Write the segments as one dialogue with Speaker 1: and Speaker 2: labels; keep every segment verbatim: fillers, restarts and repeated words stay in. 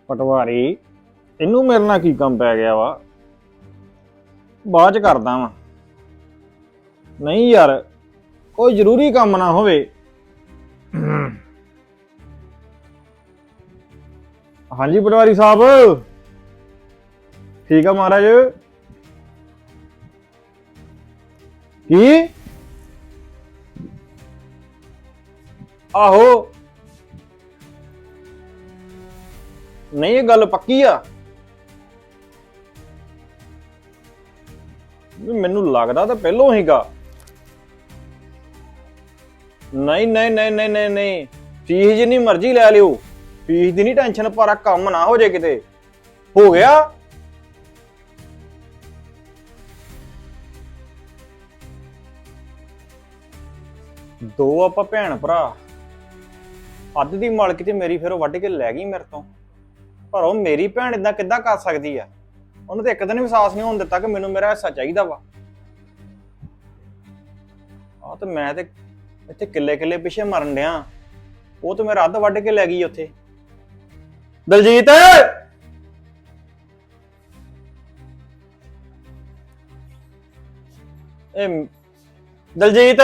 Speaker 1: ਪਟਵਾਰੀ ਇਹਨੂੰ ਮੇਰੇ ਨਾਲ ਕੀ ਕੰਮ ਪੈ ਗਿਆ ਵਾ। ਬਾਅਦ ਚ ਕਰਦਾ ਵਾਂ। ਨਹੀਂ ਯਾਰ ਕੋਈ ਜ਼ਰੂਰੀ ਕੰਮ ਨਾ ਹੋਵੇ। ਹਾਂਜੀ ਪਟਵਾਰੀ ਸਾਹਿਬ ਠੀਕ ਆ ਮਹਾਰਾਜ। ਕੀ ਆਹੋ ਨਹੀਂ ਇਹ ਗੱਲ ਪੱਕੀ ਆ। ਮੈਨੂੰ ਲੱਗਦਾ ਤਾਂ ਪਹਿਲੋਂ ਹੀਗਾ। ਨਹੀਂ ਨਹੀਂ ਨਹੀਂ ਨਹੀਂ ਨਹੀਂ ਨਹੀਂ ਫੀਸ ਜਿੰਨੀ ਮਰਜ਼ੀ ਲੈ ਲਿਓ, ਫੀਸ ਦੀ ਨਹੀਂ ਟੈਨਸ਼ਨ, ਪਰ ਕੰਮ ਨਾ ਹੋ ਜੇ ਕਿਤੇ। ਹੋ ਗਿਆ ਦੋ ਆਪਾਂ ਭੈਣ ਭਰਾ, ਅੱਧ ਦੀ ਮਾਲਕੀ ਤੇ ਮੇਰੀ ਫਿਰ ਉਹ ਵੱਢ ਕੇ ਲੈ ਗਈ ਮੇਰੇ ਤੋਂ। ਪਰ ਉਹ ਮੇਰੀ ਭੈਣ ਇਦਾਂ ਕਿੱਦਾਂ ਕਰ ਸਕਦੀ ਆ? ਉਹਨੂੰ ਤੇ ਇੱਕ ਦਿਨ ਵਿਸ਼ਵਾਸ ਨਹੀਂ ਹੋਣ ਦਿੱਤਾ ਕਿ ਮੈਨੂੰ ਮੇਰਾ ਹਿੱਸਾ ਚਾਹੀਦਾ ਵਾ। ਆ ਤੇ ਮੈਂ ਤੇ ਇੱਥੇ ਕਿੱਲੇ ਕਿੱਲੇ ਪਿੱਛੇ ਮਰਨ ਡਿਆ, ਉਹ ਤੇ ਮੇਰਾ ਅੱਧ ਵੱਢ ਕੇ ਲੈ ਗਈ ਉੱਥੇ। ਦਲਜੀਤ ਇਹ ਦਲਜੀਤ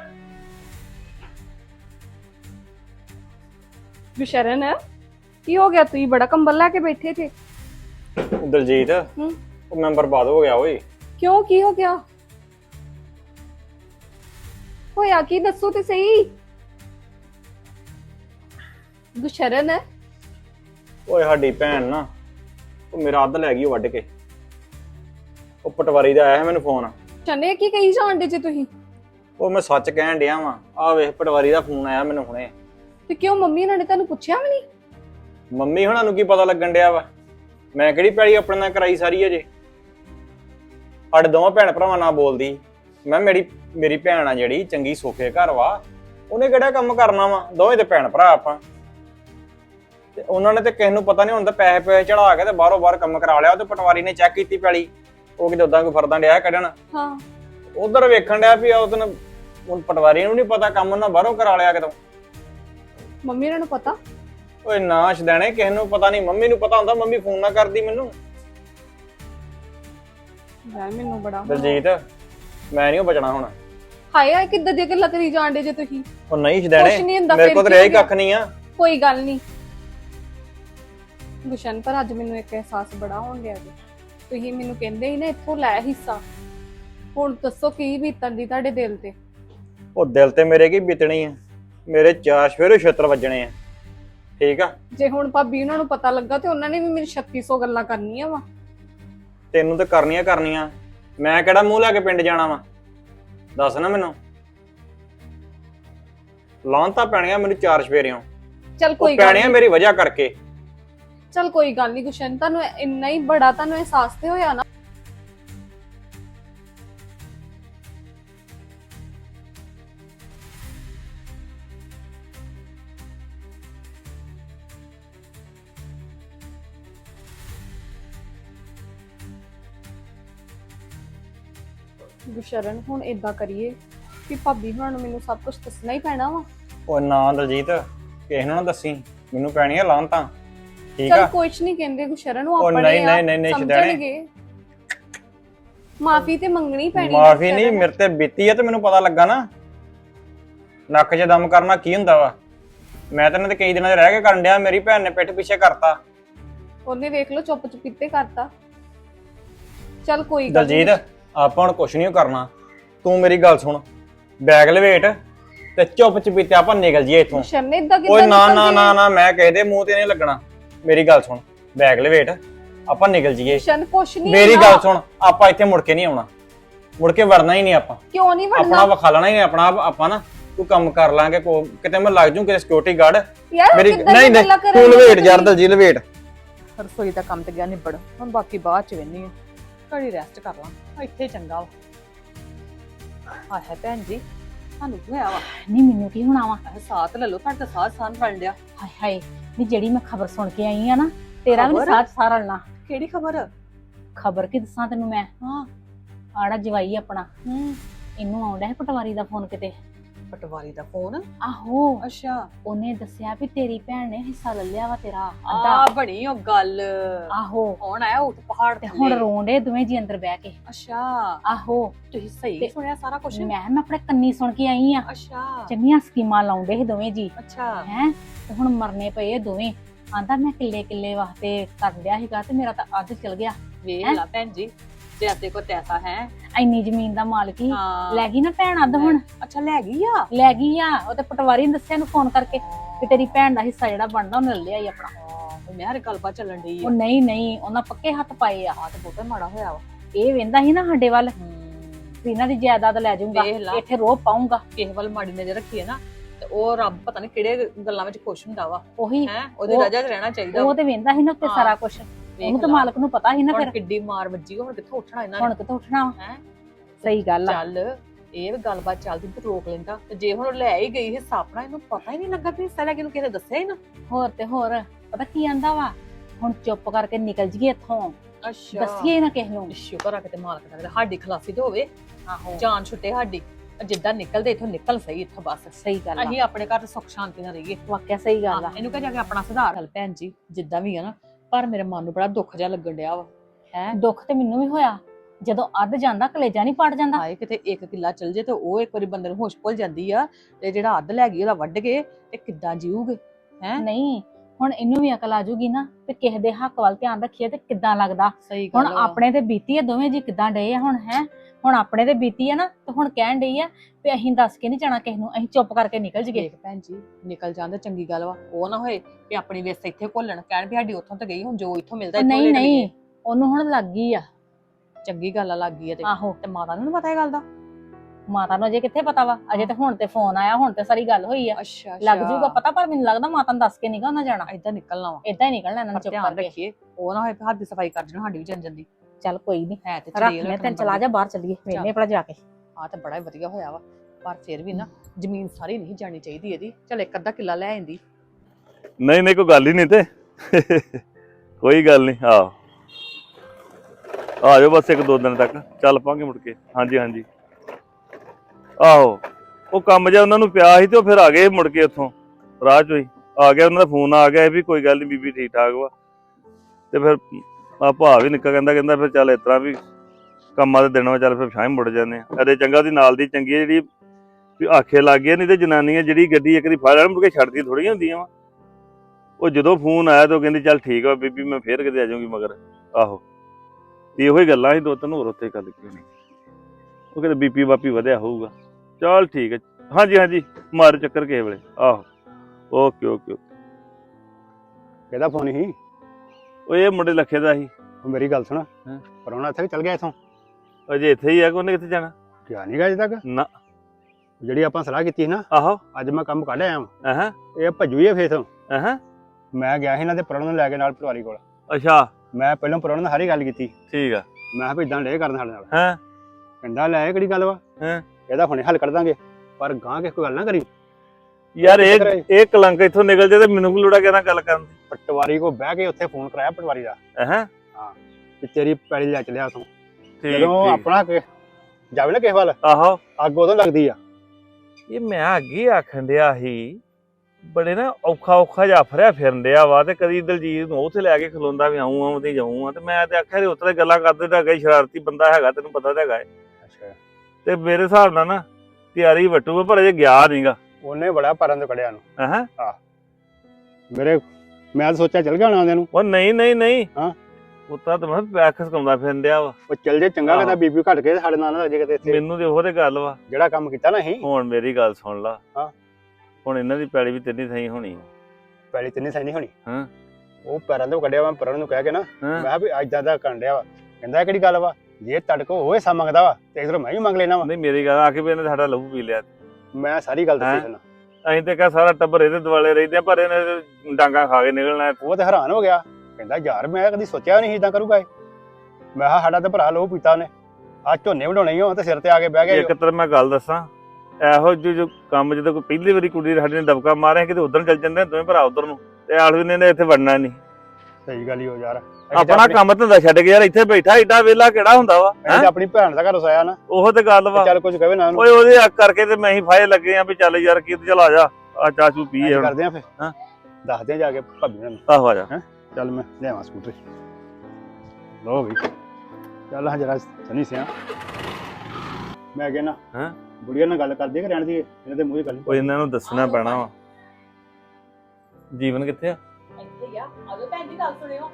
Speaker 2: गुशरण की हो गया? तू बड़ा कंबल लेके बैठे थे।
Speaker 1: दलजीत वो मैं बर्बाद हो गया। ओए
Speaker 2: क्यों की हो गया? होया की दसो ते सही। गुशरण
Speaker 1: ओए साडी भैन ना वो मेरा अद्ध लै गई वड्ड के। वो पटवारी दा आया है मैनू फोन।
Speaker 2: चने की कही जांदे जे तुही?
Speaker 1: वो मैं सच कहन डिया वां। आ वेख पटवारी दा फोन आया मैनू हुणे।
Speaker 2: ਤੇ ਕਿਉਂ ਮੰਮੀ ਉਹਨਾਂ ਨੇ ਤੁਹਾਨੂੰ ਪੁੱਛਿਆ ਵੀ ਨਹੀਂ?
Speaker 1: ਮੰਮੀ ਹੁਣਾਂ ਨੂੰ ਕੀ ਪਤਾ ਲੱਗਣ ਡਿਆ ਵਾ? ਮੈਂ ਕਿਹੜੀ ਪੈੜੀ ਆਪਣੇ ਨਾਲ ਕਰਾਈ ਸਾਰੀ ਅਜੇ। ਸਾਡੇ ਦੋਵਾਂ ਭੈਣ ਭਰਾਵਾਂ ਨਾਲ ਬੋਲਦੀ। ਮੈਂ ਮੇਰੀ ਮੇਰੀ ਭੈਣ ਆ ਜਿਹੜੀ ਚੰਗੀ ਸੋਖੇ ਘਰ ਵਾ, ਉਹਨੇ ਕਿਹੜਾ ਕੰਮ ਕਰਨਾ ਵਾ? ਦੋਵੇਂ ਤੇ ਭੈਣ ਭਰਾ ਆਪਾਂ। ਤੇ ਉਹਨਾਂ ਨੇ ਤੇ ਕਿਸੇ ਨੂੰ ਪਤਾ ਨਹੀਂ ਹੁੰਦਾ, ਪੈਸੇ ਪੈਸੇ ਚੜਾ ਕੇ ਤੇ ਬਾਹਰੋਂ ਬਾਹਰ ਕੰਮ ਕਰਾ ਲਿਆ। ਉਹ ਤੇ ਪਟਵਾਰੀ ਨੇ ਚੈੱਕ ਕੀਤੀ ਪੈਲੀ, ਉਹ ਕਿਤੇ ਉਦਾਂ ਕੋਈ ਫਰਦਾਂ ਡਿਆ ਕੱਢਣ।
Speaker 2: ਹਾਂ
Speaker 1: ਉਧਰ ਵੇਖਣ ਡਿਆ ਵੀ ਉਹਦੋਂ ਹੁਣ ਪਟਵਾਰੀ ਨੂੰ ਨਹੀਂ ਪਤਾ ਕੰਮ ਉਹਨਾਂ ਬਾਹਰੋਂ ਕਰਾ ਲਿਆ ਕਿਤੋਂ।
Speaker 2: ਮੰਮੀ ਇਹਨਾਂ ਨੂੰ ਪਤਾ?
Speaker 1: ਓਏ ਨਾ ਛਦਣੇ, ਕਿਸੇ ਨੂੰ ਪਤਾ ਨਹੀਂ। ਮੰਮੀ ਨੂੰ ਪਤਾ ਹੁੰਦਾ, ਮੰਮੀ ਫੋਨ ਨਾ ਕਰਦੀ ਮੈਨੂੰ।
Speaker 2: ਯਾਰ ਮੈਨੂੰ ਬੜਾ
Speaker 1: ਦਲਜੀਤ ਮੈਂ ਨਹੀਂ ਬਚਣਾ ਹੁਣ।
Speaker 2: ਹਾਏ ਹਾਏ ਕਿੱਦਾਂ ਦੀਆਂ ਗੱਲਾਂ ਕਰੀ ਜਾਂਦੇ ਜੇ ਤੁਸੀਂ?
Speaker 1: ਉਹ ਨਹੀਂ ਛਦਣੇ, ਮੇਰੇ ਕੋਲ ਤਾਂ ਰਹਿ ਕੱਖ ਨਹੀਂ ਆ।
Speaker 2: ਕੋਈ ਗੱਲ ਨਹੀਂ ਗੁਸ਼ਨ, ਪਰ ਅੱਜ ਮੈਨੂੰ ਇੱਕ ਅਹਿਸਾਸ ਬੜਾ ਹੋਣ ਡਿਆ ਜੀ। ਤੁਸੀਂ ਮੈਨੂੰ ਕਹਿੰਦੇ ਸੀ ਨਾ ਇੱਥੋਂ ਲੈ ਹਿੱਸਾ, ਹੁਣ ਦੱਸੋ ਕੀ ਬੀਤਣ ਦੀ ਤੁਹਾਡੇ ਦਿਲ ਤੇ?
Speaker 1: ਉਹ ਦਿਲ ਤੇ ਮੇਰੇ ਕੀ ਬੀਤਣੀ ਆ, ਮੇਰੇ ਚਾਰ ਸਵੇਰੇ ਛੇਤਰ ਵੱਜਣੇ ਆ। ਠੀਕ ਆ,
Speaker 2: ਜੇ ਹੁਣ ਭਾਬੀ ਉਹਨਾਂ ਨੂੰ ਪਤਾ ਲੱਗਾ ਤੇ ਉਹਨਾਂ ਨੇ ਵੀ ਮੇਰੀ ਛੱਤੀ ਸੌ ਗੱਲਾਂ ਕਰਨੀਆਂ ਵਾ।
Speaker 1: ਤੈਨੂੰ ਤਾਂ ਕਰਨੀਆਂ ਕਰਨੀਆਂ। ਮੈਂ ਕਿਹੜਾ ਮੂੰਹ ਲੈ ਕੇ ਪਿੰਡ ਜਾਣਾ ਵਾ? ਦੱਸ ਨਾ ਮੈਨੂੰ। ਲਾਂਤਾਂ ਪੈਣੀਆਂ ਮੈਨੂੰ ਚਾਰ ਸਵੇਰਿਓਂ।
Speaker 2: ਚੱਲ ਕੋਈ ਗੱਲ
Speaker 1: ਪੈਣੀਆਂ ਮੇਰੀ ਵਜ੍ਹਾ ਕਰਕੇ।
Speaker 2: ਚੱਲ ਕੋਈ ਗੱਲ ਨਹੀਂ ਗੁਸ਼ਨ, ਤੁਹਾਨੂੰ ਇੰਨਾ ਹੀ ਬੜਾ ਤੁਹਾਨੂੰ ਅਹਿਸਾਸ ਤੇ ਹੋਇਆ ਨਾ। ਗੁਸ਼ਰਨ ਹੁਣ ਏਦਾਂ ਕਰੀਏ ਕਿ ਭਾਬੀ ਹੁਣਾਂ ਨੂੰ ਮੈਨੂੰ ਸਭ ਕੁਝ ਦੱਸਣਾ ਹੀ ਪੈਣਾ ਵਾ।
Speaker 1: ਉਹ ਨਾ ਦਲਜੀਤ, ਕਿਸੇ ਨੂੰ ਨਾ ਦੱਸੀ, ਮੈਨੂੰ ਪੈਣੀਆਂ ਲਾਂਤਾਂ। ਠੀਕ
Speaker 2: ਚੱਲ
Speaker 1: ਆ,
Speaker 2: ਕੁਛ ਨਹੀਂ ਕਹਿੰਦੇ ਗੁਸ਼ਰਨ, ਉਹ
Speaker 1: ਉਹ
Speaker 2: ਆਪਣੇ
Speaker 1: ਨਹੀਂ
Speaker 2: ਆ
Speaker 1: ਨਹੀਂ ਨਹੀਂ ਨਹੀਂ
Speaker 2: ਸਮਝਣਗੇ। ਮਾਫੀ ਤੇ ਮੰਗਣੀ ਪੈਣੀ।
Speaker 1: ਮਾਫੀ ਨਹੀਂ, ਮੇਰੇ ਤੇ ਬੀਤੀ ਆ ਤੇ ਮੈਨੂੰ ਪਤਾ ਲੱਗਾ ਨਾ ਨੱਕ 'ਚ ਦਮ ਕਰਨਾ ਕੀ ਹੁੰਦਾ ਵਾ। ਮੈਂ ਤਾਂ ਇਹਨਾਂ ਦੇ ਕਈ ਦਿਨਾਂ ਦੇ ਰਹਿ ਕੇ ਕਰਨ ਡਿਆ, ਮੇਰੀ ਭੈਣ ਨੇ ਪਿੱਠ ਪਿੱਛੇ ਕਰਤਾ।
Speaker 2: ਉਹਨੇ ਵੇਖ ਲਓ ਚੁੱਪ ਚੁਪੀਤੇ ਕਰਤਾ। ਚੱਲ ਕੋਈ ਗੱਲ
Speaker 1: ਦਲਜੀਤ ਆਪਾਂ ਹੁਣ ਕੁਛ ਨਹੀਂ ਕਰਨਾ, ਤੂੰ ਮੇਰੀ ਗੱਲ ਸੁਣ। ਬੈਗ ਲਵੇਟ ਤੇ ਚੁੱਪ ਚਪੀਤੇ ਆਪਾਂ ਨਿਕਲ ਜੀਏ ਇੱਥੋਂ।
Speaker 2: ਸ਼ਰਨੇ ਇਦਾਂ
Speaker 1: ਓਏ ਨਾ ਨਾ ਨਾ ਨਾ ਮੈਂ ਕਿਸੇ ਦੇ ਮੂੰਹ ਤੇ ਨਹੀਂ ਲੱਗਣਾ। ਮੇਰੀ ਗੱਲ ਸੁਣ, ਬੈਗ ਲਵੇਟ ਆਪਾਂ ਨਿਕਲ ਜੀਏ।
Speaker 2: ਸ਼ਨ ਕੁਛ ਨਹੀਂ।
Speaker 1: ਮੇਰੀ ਗੱਲ ਸੁਣ, ਆਪਾਂ ਇੱਥੇ ਮੁੜ ਕੇ ਨਹੀਂ ਆਉਣਾ, ਮੁੜ ਕੇ ਵੜਨਾ ਹੀ ਨਹੀਂ ਆਪਾਂ।
Speaker 2: ਕਿਉਂ ਨਹੀਂ ਵੜਨਾ?
Speaker 1: ਆਪਣਾ ਵਿਖਾ ਲੈਣਾ ਹੀ ਆਪਣਾ। ਆਪਾਂ ਨਾ ਤੂੰ ਕੰਮ ਕਰ ਲਾਂਗੇ, ਕੋ ਕਿਤੇ ਮੈਂ ਲੱਗ ਜੂ ਕਿਤੇ ਸਿਕਿਉਰਿਟੀ ਗਾਰਡ।
Speaker 2: ਯਾਰ
Speaker 1: ਮੇਰੀ ਨਹੀਂ ਨਹੀਂ ਤੂੰ ਲਵੇਟ ਯਾਰ ਦਲਜੀਤ ਲਵੇਟ।
Speaker 3: ਰਸੋਈ ਦਾ ਕੰਮ ਤੇ ਗਿਆ ਨਿਬੜ, ਹੁਣ ਬਾਕੀ ਬਾਅਦ ਚ ਵੇਨੀ ਆ। ਘੜੀ ਰੈਸਟ ਕਰ ਲਾਂ, ਇੱਥੇ ਚੰਗਾ ਵਾ। ਆਹ ਹੈ ਭੈਣ ਜੀ, ਤੁਹਾਨੂੰ ਕੀ ਹੋਇਆ ਵਾ?
Speaker 4: ਨਹੀਂ ਮੈਨੂੰ ਕੀ ਹੋਣਾ ਵਾ?
Speaker 3: ਇਹ ਸਾਥ ਲੈ ਲਓ, ਤੁਹਾਡਾ ਸਾਥ ਸਾਨ ਰਲ ਲਿਆ।
Speaker 4: ਹਾਏ ਹਾਏ ਨਹੀਂ, ਜਿਹੜੀ ਮੈਂ ਖਬਰ ਸੁਣ ਕੇ ਆਈ ਆ ਨਾ, ਤੇਰਾ ਵੀ
Speaker 3: ਖਬਰ?
Speaker 4: ਸਾਥ ਸਾਰਾ ਰਲਣਾ।
Speaker 3: ਕਿਹੜੀ ਖਬਰ?
Speaker 4: ਖਬਰ ਕੀ ਦੱਸਾਂ ਤੈਨੂੰ ਮੈਂ?
Speaker 3: ਹਾਂ
Speaker 4: ਆੜਾ ਜਵਾਈ ਆਪਣਾ,
Speaker 3: ਹੂੰ
Speaker 4: ਇਹਨੂੰ ਆਉਂਦਾ ਹੈ ਪਟਵਾਰੀ ਦਾ ਫੋਨ ਕਿਤੇ।
Speaker 3: ਪਟਵਾਰੀ ਦਾ ਫੋਨ?
Speaker 4: ਆਹੋ
Speaker 3: ਅੱਛਾ
Speaker 4: ਉਹਨੇ ਦੱਸਿਆ ਵੀ ਤੇਰੀ ਭੈਣ ਨੇ ਹਿੱਸਾ ਲੈ ਲਿਆ ਵਾ ਤੇਰਾ
Speaker 3: ਆ
Speaker 4: ਅੱਧਾ।
Speaker 3: ਬਣੀ ਉਹ ਗੱਲ।
Speaker 4: ਆਹੋ
Speaker 3: ਕੌਣ ਆਇਆ ਉੱਠ ਪਹਾੜ
Speaker 4: ਤੇ
Speaker 3: ਤੇ
Speaker 4: ਹੁਣ ਰੋਂਦੇ ਦੋਵੇਂ ਜੀ ਅੰਦਰ ਬਹਿ ਕੇ।
Speaker 3: ਅੱਛਾ
Speaker 4: ਆਹੋ
Speaker 3: ਤੁਸੀਂ ਸਹੀ
Speaker 4: ਤੇ
Speaker 3: ਸੁਣਿਆ ਸਾਰਾ ਕੁਝ?
Speaker 4: ਮੈਂ ਕਿਹਾ ਮੈਂ ਆਪਣੇ ਕੰਨੀ ਸੁਣ ਕੇ ਆਈ ਆ।
Speaker 3: ਅੱਛਾ
Speaker 4: ਚੰਗੀਆਂ ਸਕੀਮਾਂ ਲਾਉਂਦੇ ਸੀ ਦੋਵੇਂ ਜੀ
Speaker 3: ਅੱਛਾ
Speaker 4: ਹੈ ਤੇ ਹੁਣ ਮਰਨੇ ਪਏ ਇਹ ਦੋਵੇਂ। ਆਂਦਾ ਮੈਂ ਕਿੱਲੇ ਕਿੱਲੇ ਵਾਸਤੇ ਕਰ ਲਿਆ ਸੀਗਾ ਤੇ ਮੇਰਾ ਤਾਂ ਅੱਧ ਚਲ ਗਿਆ।
Speaker 3: ਵੇਖ
Speaker 4: ਹੈਂ?
Speaker 3: ਲਾ ਭੈਣ ਜੀ, ਜੈਸੇ ਕੋ ਤੈਸਾ ਹੈ।
Speaker 4: ਇੰਨੀ ਜ਼ਮੀਨ ਦਾ ਮਾਲਕ ਹੀ
Speaker 3: ਹਾਂ
Speaker 4: ਲੈ ਗਈ ਨਾ ਭੈਣ ਅੱਧ ਹੁਣ।
Speaker 3: ਅੱਛਾ ਲੈ ਗਈ ਆ?
Speaker 4: ਲੈ ਗਈ ਆ। ਉਹ ਤੇ ਪਟਵਾਰੀ ਨੇ ਦੱਸਿਆ ਨੂੰ ਫੋਨ ਕਰਕੇ ਕਿ ਤੇਰੀ ਭੈਣ ਦਾ ਹਿੱਸਾ ਜਿਹੜਾ ਬਣਦਾ ਉਹਨੇ ਲੈ ਲਿਆ ਹੀ ਆਪਣਾ।
Speaker 3: ਆਹ ਮੈਂ ਹਰ ਗੱਲਬਾਤ ਚੱਲਣ ਡਈ
Speaker 4: ਉਹ
Speaker 3: ਆ।
Speaker 4: ਨਹੀਂ ਨਹੀਂ ਉਹਨਾਂ ਪੱਕੇ ਹੱਥ ਪਾਏ ਆ।
Speaker 3: ਆ ਤੇ ਬਹੁਤ ਮਾੜਾ ਹੋਇਆ ਵਾ।
Speaker 4: ਇਹ ਵੇਂਦਾ ਸੀ ਨਾ ਸਾਡੇ ਵੱਲ
Speaker 3: ਹੂੰ
Speaker 4: ਵੀ ਇਹਨਾਂ ਦੀ ਜਾਇਦਾਦ ਲੈ ਜਾਊਗਾ,
Speaker 3: ਵੇਖ ਲਾ।
Speaker 4: ਇੱਥੇ ਰੋਹ ਪਾਉਂਗਾ।
Speaker 3: ਕਿਸੇ ਵੱਲ ਮਾੜੀ ਨਜ਼ਰ ਰੱਖੀਏ ਨਾ ਤੇ ਉਹ ਰੱਬ ਪਤਾ ਨਹੀਂ ਕਿਹੜੇ ਗੱਲਾਂ ਵਿੱਚ ਖੁਸ਼ ਹੁੰਦਾ ਵਾ।
Speaker 4: ਉਹੀ
Speaker 3: ਹੈ ਉਹਦੀ
Speaker 4: ਉਹ-
Speaker 3: ਰਜਾ 'ਚ ਰਹਿਣਾ ਚਾਹੀਦਾ
Speaker 4: ਉਹ
Speaker 3: ਵਾ।
Speaker 4: ਤੇ ਵੇਂਦਾ ਸੀ ਨਾ ਉੱਤੇ
Speaker 3: ਹਾਂ।
Speaker 4: ਸਾਰਾ ਕੁਝ।
Speaker 3: ਵੇਖ
Speaker 4: ਉਹਨੂੰ ਤਾਂ
Speaker 3: ਲਾ।
Speaker 4: ਮਾਲਕ ਨੂੰ ਪਤਾ ਸੀ ਨਾ
Speaker 3: ਹੁਣ
Speaker 4: ਫਿਰ
Speaker 3: ਕਿੱਡੀ ਮਾਰ ਵੱਜੀ, ਹੁਣ ਕਿੱਥੋਂ ਉੱਠਣਾ ਇਹਨਾਂ
Speaker 4: ਹੁਣ
Speaker 3: ਨੇ?
Speaker 4: ਕਿੱਥੋਂ ਉੱਠਣਾ ਵਾ।
Speaker 3: ਹੈ
Speaker 4: ਸਹੀ ਗੱਲ ਆ।
Speaker 3: ਚੱਲ ਇਹ ਵੀ ਗੱਲਬਾਤ ਚੱਲਦੀ ਤੇ ਰੋਕ ਲੈਂਦਾ। ਤੇ ਜੇ ਹੁਣ ਲੈ ਹੀ ਗਈ ਹਿੱਸਾ ਆਪਣਾ, ਇਹਨੂੰ ਪਤਾ ਹੀ ਨਹੀਂ ਲੱਗਾ ਵੀ ਹਿੱਸਾ ਲੈ ਕੇ ਇਹਨੂੰ ਕਿਸੇ ਨੇ ਦੱਸਿਆ ਹੀ ਨਾ।
Speaker 4: ਹੋਰ ਤੇ ਹੋਰ ਪਤਾ ਕੀ ਆਂਦਾ ਵਾ, ਹੁਣ ਚੁੱਪ ਕਰਕੇ ਨਿਕਲ ਜੀਏ ਇੱਥੋਂ,
Speaker 3: ਅੱਛਾ
Speaker 4: ਦੱਸੀਏ ਨਾ ਕਿਸੇ ਨੂੰ।
Speaker 3: ਸ਼ੁਕਰ ਆ ਕਿਤੇ ਮਾਲਕ ਦਾ ਕਿਤੇ ਸਾਡੀ ਖਲਾਸੀ ਤੇ ਹੋਵੇ,
Speaker 4: ਆਹੋ
Speaker 3: ਜਾਨ ਛੁੱਟੇ ਸਾਡੀ। ਜਿੱਦਾਂ ਨਿਕਲਦੇ ਇੱਥੋਂ ਨਿਕਲ ਸਹੀ ਇੱਥੋਂ ਬਸ।
Speaker 4: ਸਹੀ ਗੱਲ ਆ।
Speaker 3: ਅਸੀਂ ਆਪਣੇ ਘਰ ਸੁੱਖ ਸ਼ਾਂਤੀ ਨਾਲ ਰਹੀਏ।
Speaker 4: ਵਾਕਿਆ ਸਹੀ ਗੱਲ ਆ।
Speaker 3: ਇਹਨੂੰ ਕਹ ਜਾ ਕੇ ਆਪਣਾ ਸੁਧਾਰ। ਚੱਲ ਭੈਣ ਜੀ ਜਿੱਦਾਂ ਵੀ ਆ ਨਾ, ਪਰ ਮੇਰੇ ਮਨ ਨੂੰ ਬੜਾ ਦੁੱਖ ਜਿਹਾ ਲੱਗਣ ਡਿਆ ਵਾ। ਹੈ
Speaker 4: ਦੁੱਖ ਤੇ ਮੈਨੂੰ ਵੀ ਹੋਇਆ ਜਦੋਂ ਅੱਧ ਜਾਂਦਾ ਕਲੇਜਾ ਨਹੀਂ ਪੜ ਜਾਂਦਾ।
Speaker 3: ਹਾਏ ਕਿਤੇ ਇੱਕ ਕਿੱਲਾ ਚੱਲ ਜੇ ਤੇ ਉਹ ਇੱਕ ਵਾਰੀ ਬੰਦੇ ਨੂੰ ਹੋਸ਼ ਭੁੱਲ ਜਾਂਦੀ ਆ। ਤੇ ਜਿਹੜਾ ਅੱਧ ਲੈ ਗਈ ਉਹਦਾ ਵੱਢ ਕੇ ਤੇ ਕਿੱਦਾਂ ਜੀਊਗੇ? ਹੈ
Speaker 4: ਨਹੀਂ ਹੁਣ ਇਹਨੂੰ ਵੀ ਅਕਲ ਆ ਜੂਗੀ ਨਾ ਤੇ ਕਿਸੇ ਦੇ ਹੱਕ ਵੱਲ ਧਿਆਨ ਰੱਖੀਏ ਤੇ ਕਿੱਦਾਂ ਲੱਗਦਾ।
Speaker 3: ਸਹੀ
Speaker 4: ਹੁਣ
Speaker 3: ਗੱਲ ਵਾ।
Speaker 4: ਆਪਣੇ ਤੇ ਬੀਤੀ ਆ, ਦੋਵੇਂ ਜੀ ਕਿੱਦਾਂ ਡਏ ਆ ਹੁਣ। ਹੈ ਹੁਣ ਆਪਣੇ ਤੇ ਬੀਤੀ ਆ ਨਾ ਤੇ ਹੁਣ ਕਹਿਣ ਡਈ ਆ ਵੀ ਅਸੀਂ ਦੱਸ ਕੇ ਨਹੀਂ ਜਾਣਾ ਕਿਸੇ ਨੂੰ, ਅਸੀਂ ਚੁੱਪ ਕਰਕੇ ਨਿਕਲ ਜੀਏ।
Speaker 3: ਦੇਖ ਭੈਣ ਜੀ ਨਿਕਲ ਜਾਂਦੇ ਚੰਗੀ ਗੱਲ ਵਾ। ਉਹ ਨਾ ਹੋਏ ਕਿ ਆਪਣੀ ਵੇਸ ਇੱਥੇ ਘੋਲਣ, ਕਹਿਣ ਵੀ ਸਾਡੀ ਉੱਥੋਂ ਤੇ ਗਈ, ਹੁਣ ਜੋ ਇੱਥੋਂ ਮਿਲਦਾ ਇੱਥੋਂ
Speaker 4: ਨਹੀਂ
Speaker 3: ਲੈ
Speaker 4: ਨਹੀਂ
Speaker 3: ਲਈਏ।
Speaker 4: ਉਹਨੂੰ ਹੁਣ ਲੱਗ ਗਈ ਆ।
Speaker 3: ਚੰਗੀ ਗੱਲ ਆ ਲੱਗ ਗਈ ਆ ਤੇ
Speaker 4: ਆਹੋ
Speaker 3: ਤੇ ਮਾਤਾ ਨੂੰ ਨੀ ਪਤਾ ਇਹ ਗੱਲ ਦਾ?
Speaker 4: ਮਾਤਾ ਨੂੰ ਅਜੇ ਕਿੱਥੇ ਪਤਾ ਵਾ, ਅਜੇ ਤੇ ਹੁਣ ਤੇ ਫੋਨ ਆਇਆ, ਹੁਣ ਤੇ ਸਾਰੀ ਗੱਲ ਹੋਈ ਆ।
Speaker 3: ਅੱਛਾ
Speaker 4: ਲੱਗ ਜੂਗਾ ਪਤਾ, ਪਰ ਮੈਨੂੰ ਲੱਗਦਾ ਮਾਤਾ ਨੂੰ ਦੱਸ ਕੇ ਨਹੀਂਗਾ ਉਹਨਾਂ ਜਾਣਾ।
Speaker 3: ਏਦਾਂ ਨਿਕਲਣਾ ਵਾ।
Speaker 4: ਏਦਾਂ ਹੀ ਨਿਕਲਣਾ ਇਹਨਾਂ ਨੇ
Speaker 3: ਪਰ
Speaker 4: ਚੁੱਪ
Speaker 3: ਧਿਆਨ
Speaker 4: ਕਰਕੇ।
Speaker 3: ਰੱਖੀਏ ਉਹ ਨਾ ਹੋਏ ਹੱਥ ਦੀ ਸਫਾਈ ਕਰ ਜਣ ਸਾਡੀ ਵੀ ਜਨ ਜਾਂਦੀ।
Speaker 4: ਚੱਲ ਕੋਈ ਨਹੀਂ
Speaker 3: ਹੈ ਤੇ
Speaker 4: ਰੱਖ ਲੈ ਤੈਨੂੰ, ਚਲਾ ਜਾ ਬਾਹਰ ਚੱਲੀਏ ਵੇਨੇ ਭਲਾ ਜਾ ਕੇ।
Speaker 3: ਆ ਤਾਂ ਬੜਾ ਹੀ ਵਧੀਆ ਹੋਇਆ ਵਾ। ਪਰ ਫਿਰ ਵੀ ਨਾ ਜ਼ਮੀਨ ਸਾਰੀ ਨਹੀਂ ਜਾਣੀ ਚਾਹੀਦੀ ਇਹਦੀ। ਚੱਲ ਇੱਕ ਅੱਧਾ ਕਿੱਲਾ ਲੈ ਆਂਦੀ।
Speaker 5: ਨਹੀਂ ਨਹੀਂ ਕੋਈ ਗੱਲ ਹੀ ਨਹੀਂ ਤੇ ਕੋਈ ਗੱਲ ਨਹੀਂ। ਆਹੋ ਆ ਜਾਓ ਬਸ ਇੱਕ ਦੋ ਦਿਨ ਤੱਕ ਚੱਲ ਪਾਂਗੇ ਮੁੜ ਕੇ। ਹਾਂਜੀ ਹਾਂਜੀ ਆਹੋ ਉਹ ਕੰਮ ਜਿਹਾ ਉਹਨਾਂ ਨੂੰ ਪਿਆ ਸੀ ਤੇ ਉਹ ਫਿਰ ਆ ਗਏ ਮੁੜ ਕੇ ਉੱਥੋਂ ਰਾਹ ਚੋਂ ਹੀ ਆ ਗਿਆ। ਉਹਨਾਂ ਦਾ ਫੋਨ ਆ ਗਿਆ ਵੀ ਕੋਈ ਗੱਲ ਨਹੀਂ ਬੀਬੀ ਠੀਕ ਠਾਕ ਵਾ। ਤੇ ਫਿਰ ਆ ਭਾ ਵੀ ਨਿੱਕਾ ਕਹਿੰਦਾ ਕਹਿੰਦਾ ਫਿਰ ਚੱਲ ਇਸ ਤਰ੍ਹਾਂ ਵੀ ਕੰਮਾਂ ਦੇ ਦਿਨ ਵਾ, ਚੱਲ ਫਿਰ ਸ਼ਾਮ ਮੁੜ ਜਾਂਦੇ ਆ। ਅਰੇ ਚੰਗਾ ਉਹਦੀ ਨਾਲ ਦੀ ਚੰਗੀ ਹੈ ਜਿਹੜੀ ਵੀ ਆਖੇ ਲੱਗ ਗਏ, ਨਹੀਂ ਤੇ ਜਨਾਨੀਆਂ ਜਿਹੜੀ ਗੱਡੀ ਇੱਕ ਵਾਰੀ ਫੜ ਲੈਣ ਮੁੜ ਕੇ ਛੱਡਦੀਆਂ ਥੋੜੀਆਂ ਹੁੰਦੀਆਂ ਵਾ। ਉਹ ਜਦੋਂ ਫੋਨ ਆਇਆ ਤਾਂ ਉਹ ਕਹਿੰਦੀ ਚੱਲ ਠੀਕ ਆ ਬੀਬੀ ਮੈਂ ਫੇਰ ਕਿਤੇ ਆ ਜਾਊਂਗੀ ਮਗਰ। ਆਹੋ ਤੇ ਇਹੋ ਹੀ ਗੱਲਾਂ ਸੀ ਦੋ ਤਿੰਨ ਹੋਰ ਉੱਥੇ ਗੱਲ ਕੀ ਹੋਣੀ। ਉਹ ਕਹਿੰਦੇ ਬੀਪੀ ਬਾਪੀ ਵਧਿਆ ਹੋਊਗਾ। ਚੱਲ ਠੀਕ ਹੈ। ਹਾਂਜੀ ਹਾਂਜੀ ਮਾਰ ਚੱਕਰ ਕਿਸੇ ਵੇਲੇ। ਆਹੋ ਓਕੇ ਓਕੇ ਓਕੇ।
Speaker 6: ਕਿਹਦਾ ਫੋਨ ਸੀ?
Speaker 5: ਉਹ ਇਹ ਮੁੰਡੇ ਲੱਖੇ ਦਾ ਸੀ।
Speaker 6: ਉਹ ਮੇਰੀ ਗੱਲ ਸੁਣ,
Speaker 5: ਹਾਂ।
Speaker 6: ਪਰੌਣਾ ਇੱਥੇ ਚੱਲ ਗਿਆ ਇੱਥੋਂ?
Speaker 5: ਅਜੇ ਇੱਥੇ ਹੀ ਆ ਕਿ ਉਹਨੇ ਕਿੱਥੇ ਜਾਣਾ?
Speaker 6: ਗਿਆ ਨਹੀਂ ਗਾ ਅਜੇ ਤੱਕ?
Speaker 5: ਨਾ
Speaker 6: ਜਿਹੜੀ ਆਪਾਂ ਸਲਾਹ ਕੀਤੀ ਸੀ ਨਾ,
Speaker 5: ਆਹੋ
Speaker 6: ਅੱਜ ਮੈਂ ਕੰਮ ਕੱਢ ਆਇਆ ਵਾਂ।
Speaker 5: ਅਹਾਂ
Speaker 6: ਇਹ ਭੱਜੂ ਹੀ ਆ ਫੇਰ ਤੋਂ।
Speaker 5: ਅਹਾਂ
Speaker 6: ਮੈਂ ਗਿਆ ਸੀ ਇਹਨਾਂ ਦੇ ਪਰੌਣੇ ਨੂੰ ਲੈ ਕੇ ਨਾਲ ਪਟਵਾਰੀ ਕੋਲ।
Speaker 5: ਅੱਛਾ
Speaker 6: ਮੈਂ ਪਹਿਲਾਂ ਪਰੌਣੇ ਨਾਲ ਸਾਰੀ ਗੱਲ ਕੀਤੀ।
Speaker 5: ਠੀਕ ਆ।
Speaker 6: ਮੈਂ ਕਿਹਾ ਵੀ ਇਦਾਂ ਡੇ ਕਰਨ ਸਾਡੇ ਨਾਲ।
Speaker 5: ਹਾਂ
Speaker 6: ਕਹਿੰਦਾ ਲੈ ਇਹ ਕਿਹੜੀ ਗੱਲ ਵਾ?
Speaker 5: ਹਾਂ।
Speaker 6: ਇਹਦਾ ਹੁਣੇ ਹੱਲ ਕਰ ਦਾਂਗੇ, ਪਰ ਗਾਂ ਕੇ ਕੋਈ ਗੱਲ ਨਾ ਕਰੀ।
Speaker 5: ਯਾਰ ਇਹ ਇਹ ਕਲੰਕ ਇੱਥੋਂ ਨਿਕਲ ਜਾਏ ਤੇ ਮੈਨੂੰ ਕੀ ਲੋੜਾ ਕਿਹਨਾਂ ਗੱਲ ਕਰਨ ਦੀ।
Speaker 6: ਪਟਵਾਰੀ ਕੋ ਬਹਿ ਕੇ ਉੱਥੇ ਫੋਨ ਕਰਾਇਆ ਪਟਵਾਰੀ ਦਾ
Speaker 5: ਅਹਾਂ
Speaker 6: ਵੀ ਤੇਰੀ ਪੈਲੀ ਲੈ ਚਲਿਆ ਉਥੋਂ।
Speaker 5: ਠੀਕ
Speaker 6: ਜਦੋਂ
Speaker 5: ਠੀਕ।
Speaker 6: ਆਪਣਾ ਕਿ- ਜਾਵੇ ਨਾ ਕਿਸੇ ਵੱਲ,
Speaker 5: ਆਹੋ
Speaker 6: ਅੱਗ ਉਦੋਂ ਲੱਗਦੀ ਆ।
Speaker 5: ਇਹ ਮੈਂ ਅੱਗੇ ਆਖਣ ਡਿਆ ਸੀ ਬੜੇ ਨਾ ਔਖਾ ਔਖਾ ਜਿਹਾ ਫਰਿਆ ਫਿਰਨ ਡਿਆ ਵਾ। ਤੇ ਕਦੀ ਦਲਜੀਤ ਨੂੰ ਉੱਥੇ ਲੈ ਕੇ ਖਲੋਂਦਾ ਵੀ ਆਉਂ ਆਉਂ ਤੇ ਜਾਊਂ ਆ। ਤੇ ਮੈਂ ਤੇ ਆਖਿਆ ਉੱਥੇ ਗੱਲਾਂ ਕਰਦੇ ਤਾਂ ਹੈਗਾ, ਸ਼ਰਾਰਤੀ ਬੰਦਾ ਹੈਗਾ, ਤੈਨੂੰ ਪਤਾ ਤਾਂ ਹੈਗਾ ਏ।
Speaker 6: ਅੱਛਾ
Speaker 5: ਤੇ ਮੇਰੇ ਹਿਸਾਬ ਨਾਲ ਨਾ ਤਿਆਰੀ ਵੱਟੂਗਾ, ਪਰ ਅਜੇ ਗਿਆ ਨਹੀਂਗਾ।
Speaker 6: ਉਹਨੇ ਬੜਾ ਪਰਨ ਤੋਂ ਕੱਢਿਆ ਨੂੰ।
Speaker 5: ਹਾਂ
Speaker 6: ਮੇਰੇ ਮੈਂ ਤਾਂ ਸੋਚਿਆ ਚੱਲ ਗਿਆ ਹੋਣਾ ਉਹਦੇ ਨੂੰ।
Speaker 5: ਉਹ ਨਹੀਂ ਨਹੀਂ ਨਹੀਂ
Speaker 6: ਹਾਂ।
Speaker 5: ਉੱਤਾ ਤਾਂ ਮੈਂ ਪੈਕ ਖਸਕਾਉਂਦਾ ਫਿਰਨ ਡਿਆ ਵਾ।
Speaker 6: ਉਹ ਚੱਲ ਜੇ ਚੰਗਾ
Speaker 5: ਆਹੋ।
Speaker 6: ਕਹਿੰਦਾ ਬੀਬੀ ਘਟ ਕੇ ਸਾਡੇ ਨਾਲ ਨਾ ਲੱਗੇ ਕਿਤੇ ਇੱਥੇ।
Speaker 5: ਮੈਨੂੰ ਤੇ ਉਹੋ ਤੇ ਗੱਲ ਵਾ।
Speaker 6: ਜਿਹੜਾ ਕੰਮ ਕੀਤਾ ਨਾ ਅਸੀਂ,
Speaker 5: ਹੁਣ ਮੇਰੀ ਗੱਲ ਸੁਣ ਲਾ।
Speaker 6: ਹਾਂ।
Speaker 5: ਹੁਣ ਇਹਨਾਂ ਦੀ ਪੈਲੀ ਵੀ ਤਿੰਨੀ ਥਾਈ ਹੋਣੀ।
Speaker 6: ਪਹਿਲੀ ਤਿੰਨੀ ਸੈਣੀ ਹੋਣੀ।
Speaker 5: ਹਾਂ।
Speaker 6: ਉਹ ਪੈਰਾਂ ਤੋਂ ਕੱਢਿਆ ਵਾ, ਪਰਨ ਨੂੰ ਕਹਿ ਕੇ ਨਾ,
Speaker 5: ਹਾਂ।
Speaker 6: ਮੈਂ ਕਿਹਾ ਵੀ ਏਦਾਂ ਦਾ ਕਰਨ ਡਿਆ ਵਾ। ਕਹਿੰਦਾ ਇਹ ਕਿਹੜੀ ਗੱਲ ਵਾ, ਜੇ ਤੜਕੋ ਉਹ ਹਿੱਸਾ ਮੰਗਦਾ ਵਾ ਤੇ ਇਧਰੋਂ ਮੈਂ ਵੀ ਮੰਗ ਲੈਣਾ ਵਾ।
Speaker 5: ਨਹੀਂ ਮੇਰੀ ਗੱਲ ਆ ਕੇ ਵੀ ਇਹਨੇ ਸਾਡਾ ਲਹੂ ਪੀ ਲਿਆ।
Speaker 6: ਮੈਂ ਸਾਰੀ ਗੱਲ ਦੱਸੀ
Speaker 5: ਹੈਂ?
Speaker 6: ਸੁਣਾ।
Speaker 5: ਅਸੀਂ ਤੇ ਕਹ ਸਾਰਾ ਟੱਬਰ ਇਹਦੇ ਦੁਆਲੇ ਰਹਿੰਦੇ ਆ, ਪਰ ਇਹਨੇ ਡਾਂਗਾ ਖਾ ਕੇ ਨਿਕਲਣਾ।
Speaker 6: ਉਹ ਤੇ ਹੈਰਾਨ ਹੋ ਗਿਆ, ਕਹਿੰਦਾ ਯਾਰ ਮੈਂ ਕਦੀ ਸੋਚਿਆ ਨਹੀਂ ਇਦਾਂ ਕਰੂਗਾ ਇਹ। ਮੈਂ ਕਿਹਾ ਸਾਡਾ ਤੇ ਭਰਾ ਲਹੂ ਪੀਤਾ ਉਹਨੇ, ਆ ਝੋਨੇ ਵਢਾਉਣੇ ਹੀ ਹੋ ਤੇ ਸਿਰ ਤੇ ਆ ਕੇ ਬਹਿ ਗਿਆ
Speaker 5: ਇੱਕ ਤਰ੍ਹਾਂ ਮੈਂ ਗੱਲ ਦੱਸਾਂ, ਇਹੋ ਜਿਹੇ ਜੋ ਕੰਮ ਜਦੋਂ ਕੋਈ ਪਹਿਲੀ ਵਾਰੀ ਕੁੜੀ ਸਾਡੇ ਨੇ ਦਬਕਾ ਮਾਰਿਆ ਕਿਤੇ ਉਧਰ ਚੱਲ ਜਾਂਦੇ ਦੋਵੇਂ ਭਰਾ ਉਧਰ ਨੂੰ, ਤੇ ਆਲਵੀ ਨੇ ਇੱਥੇ ਵੜਨਾ ਨਹੀਂ।
Speaker 6: ਸਹੀ ਗੱਲ ਹੀ ਹੋ ਯਾਰ
Speaker 5: ਆਪਣਾ ਕੰਮ ਧੰਦਾ ਛੱਡ ਕੇ ਯਾਰ ਇੱਥੇ ਬੈਠਾ ਏਡਾ ਵੇਲਾ ਕਿਹੜਾ ਹੁੰਦਾ ਵਾ
Speaker 6: ਮੈਂ ਆਪਣੀ ਭੈਣ ਦਾ ਘਰ ਵਸਾਇਆ ਨਾ
Speaker 5: ਉਹ ਤੇ ਗੱਲ ਵਾ
Speaker 6: ਚੱਲ ਕੁਝ ਕਹੇ ਨਾ ਉਹਨੂੰ
Speaker 5: ਓਏ ਉਹਦੇ ਅੱਖ ਕਰਕੇ ਤੇ ਮੈਂ ਹੀ ਫਾਇਲ ਲੱਗੇ ਆ ਵੀ ਚੱਲ ਯਾਰ ਕੀ ਚੱਲ ਆ ਜਾ ਆ ਚਾਚੂ ਪੀਏ ਹੁਣ
Speaker 6: ਕਰਦੇ ਆ ਫਿਰ
Speaker 5: ਹਾਂ
Speaker 6: ਦੱਸਦੇ ਆ ਜਾ ਕੇ ਭਾਬੀ ਨੂੰ
Speaker 5: ਆਹੋ ਆ ਜਾ
Speaker 6: ਚੱਲ ਮੈਂ ਲਿਆਵਾਂ ਸਕੂਟਰ ਲੋ ਵੀ ਚੱਲ ਹਾਂ ਜਰਾ ਸਨੀ ਸਿਆ ਮੈਂ ਕਹਿੰਦਾ
Speaker 5: ਹਾਂ
Speaker 6: ਬੁੜੀਆ ਨਾਲ ਗੱਲ ਕਰਦੀ ਕਿ ਰਹਿਣ ਦੀ ਇਹਨਾਂ ਦੇ ਮੂੰਹ 'ਚ ਗੱਲ
Speaker 5: ਉਹ ਇਹਨਾਂ ਨੂੰ ਦੱਸਣਾ ਪੈਣਾ ਵਾ ਜੀਵਨ ਕਿੱਥੇ ਆ
Speaker 3: ਇੱਥੇ ਹੀ ਆ ਆਜੋ ਭੈਣ ਜੀ ਗੱਲ ਸੁਣਿਓ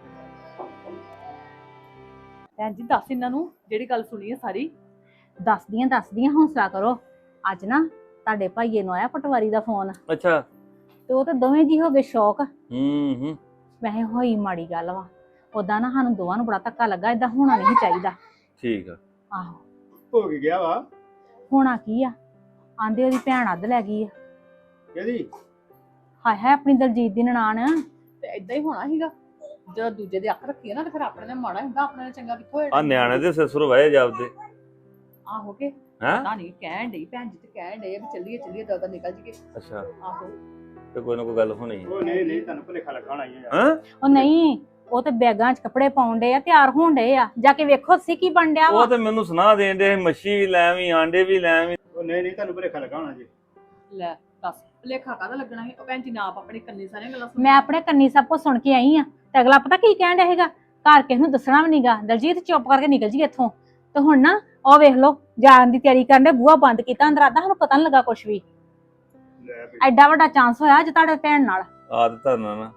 Speaker 3: ਭੈਣ ਜੀ ਦੱਸ ਇਹਨਾਂ ਨੂੰ ਜਿਹੜੀ ਗੱਲ ਸੁਣੀ ਹੈ ਸਾਰੀ
Speaker 4: ਦੱਸਦੀਆਂ ਦੱਸਦੀਆਂ ਹੌਸਲਾ ਕਰੋ। ਅੱਜ ਨਾ ਤੁਹਾਡੇ ਭਾਈਏ ਨੂੰ ਆਇਆ ਪਟਵਾਰੀ ਦਾ ਫੋਨ
Speaker 5: ਅੱਛਾ
Speaker 4: ਤੇ ਉਹ ਤੇ ਦੋਵੇਂ ਜੀ ਹੋ ਗਏ ਸ਼ੌਕ।
Speaker 5: ਹੂੰ ਹੂੰ
Speaker 4: ਵੈਸੇ ਹੋਈ ਮਾੜੀ ਗੱਲ ਵਾ, ਉਦਾਂ ਨਾ ਸਾਨੂੰ ਦੋਵਾਂ ਨੂੰ ਬੜਾ ਧੱਕਾ ਲੱਗਾ, ਏਦਾਂ ਹੋਣਾ ਨਹੀਂ ਚਾਹੀਦਾ।
Speaker 5: ਠੀਕ ਆ
Speaker 4: ਆਹੋ
Speaker 6: ਹੋ ਕੇ ਗਿਆ ਵਾ
Speaker 4: ਹੋਣਾ ਕੀ ਆ, ਆਂਦੇ ਉਹਦੀ ਭੈਣ ਅੱਧ ਲੈ ਗਈ ਆ।
Speaker 6: ਕਿਹਦੀ
Speaker 4: ਹਾਏ ਹਾਏ ਆਪਣੀ ਦਲਜੀਤ ਦੀ ਨਨਾਣ।
Speaker 3: ਤੇ ਇਦਾਂ ਹੀ ਹੋਣਾ ਸੀਗਾ ਜਦੋਂ ਦੂਜੇ ਦੇ ਅੱਖ ਰੱਖੀ ਨਾ ਤੇ ਫਿਰ ਆਪਣੇ ਨੇ ਮਾੜਾ ਹੁੰਦਾ, ਆਪਣੇ ਨੇ ਚੰਗਾ ਕਿੱਥੋਂ
Speaker 5: ਆ ਨਿਆਣੇ ਦੇ ਸਿਸਰ ਵਏ ਜਾਪਦੇ
Speaker 3: ਆਹੋ ਕੇ
Speaker 5: ਹੈਂ
Speaker 3: ਪਤਾ ਨਹੀਂ ਕਹਿਣ ਡਈ ਭੈਣ ਜੀ ਤੇ ਕਹਿਣ ਡਈ ਆ ਵੀ ਚੱਲੀਏ ਚੱਲੀਏ ਤਾਂ ਤਾਂ ਨਿਕਲ ਜੀਏ।
Speaker 5: ਅੱਛਾ
Speaker 3: ਆਹੋ
Speaker 5: ਤੇ ਕੋਈ ਨਾ ਕੋਈ ਗੱਲ ਹੋਣੀ
Speaker 6: ਉਹ ਨਹੀਂ ਨਹੀਂ ਤੁਹਾਨੂੰ ਭੁਲੇਖਾ ਲੱਗਣਾ ਹੀ ਯਾਰ
Speaker 5: ਹਾਂ
Speaker 4: ਉਹ ਨਹੀਂ, ਉਹ ਤੇ ਬੈਗਾਂ 'ਚ ਕੱਪੜੇ ਪਾਉਣ ਡਏ ਆ, ਤਿਆਰ ਹੋਣ ਡਏ ਆ, ਜਾ ਕੇ ਵੇਖੋ ਸੀ ਕੀ ਬਣ ਡਿਆ ਵਾ।
Speaker 5: ਉਹ ਤੇ ਮੈਨੂੰ ਸੁਣਾ ਦੇਣ ਦੇ ਮੱਛੀ ਵੀ ਲੈ ਆਵੀਂ ਆਂਡੇ ਵੀ ਲੈ ਆਵੀਂ
Speaker 6: ਉਹ ਨਹੀਂ ਨਹੀਂ ਤੁਹਾਨੂੰ ਭੁਲੇਖਾ ਲੱਗਾ ਹੋਣਾ ਜੀ
Speaker 3: ਲੈ ਦੱਸ ਲੇਖਾ ਕਾਹਦਾ ਲੱਗਣਾ ਸੀ। ਉਹ ਭੈਣ ਜੀ ਨਾ ਆਪ ਆਪਣੀ ਕੰਨੀ ਸਾਰੀਆਂ ਗੱਲਾਂ ਸੁਣ
Speaker 4: ਮੈਂ ਆਪਣੇ ਕੰਨੀ ਸਭ ਕੁਝ ਸੁਣ ਕੇ ਆਈ ਆ ਤੇ ਅਗਲਾ ਪਤਾ ਕੀ ਕਹਿਣ ਡਿਆ ਹੈਗਾ, ਘਰ ਕਿਸ ਨੂੰ ਦੱਸਣਾ ਵੀ ਨਹੀਂਗਾ, ਦਲਜੀਤ ਚੁੱਪ ਕਰਕੇ ਨਿਕਲ ਜੀ ਇੱਥੋਂ। ਤੇ ਹੁਣ ਨਾ ਉਹ ਵੇਖ ਲਓ ਜਾਣ ਦੀ ਤਿਆਰੀ ਕਰਨ ਦੇ, ਬੂਹਾ ਬੰਦ ਕੀਤਾ ਅੰਦਰ ਆਦਾ, ਸਾਨੂੰ ਪਤਾ ਨਹੀਂ ਲੱਗਾ ਕੁਝ ਵੀ।
Speaker 6: ਲੈ ਵੀ
Speaker 4: ਐਡਾ ਵੱਡਾ ਚਾਂਸ ਹੋਇਆ ਅੱਜ ਤੁਹਾਡੇ ਭੈਣ ਨਾਲ।
Speaker 5: ਆਦਤ ਨਾ ਨਾ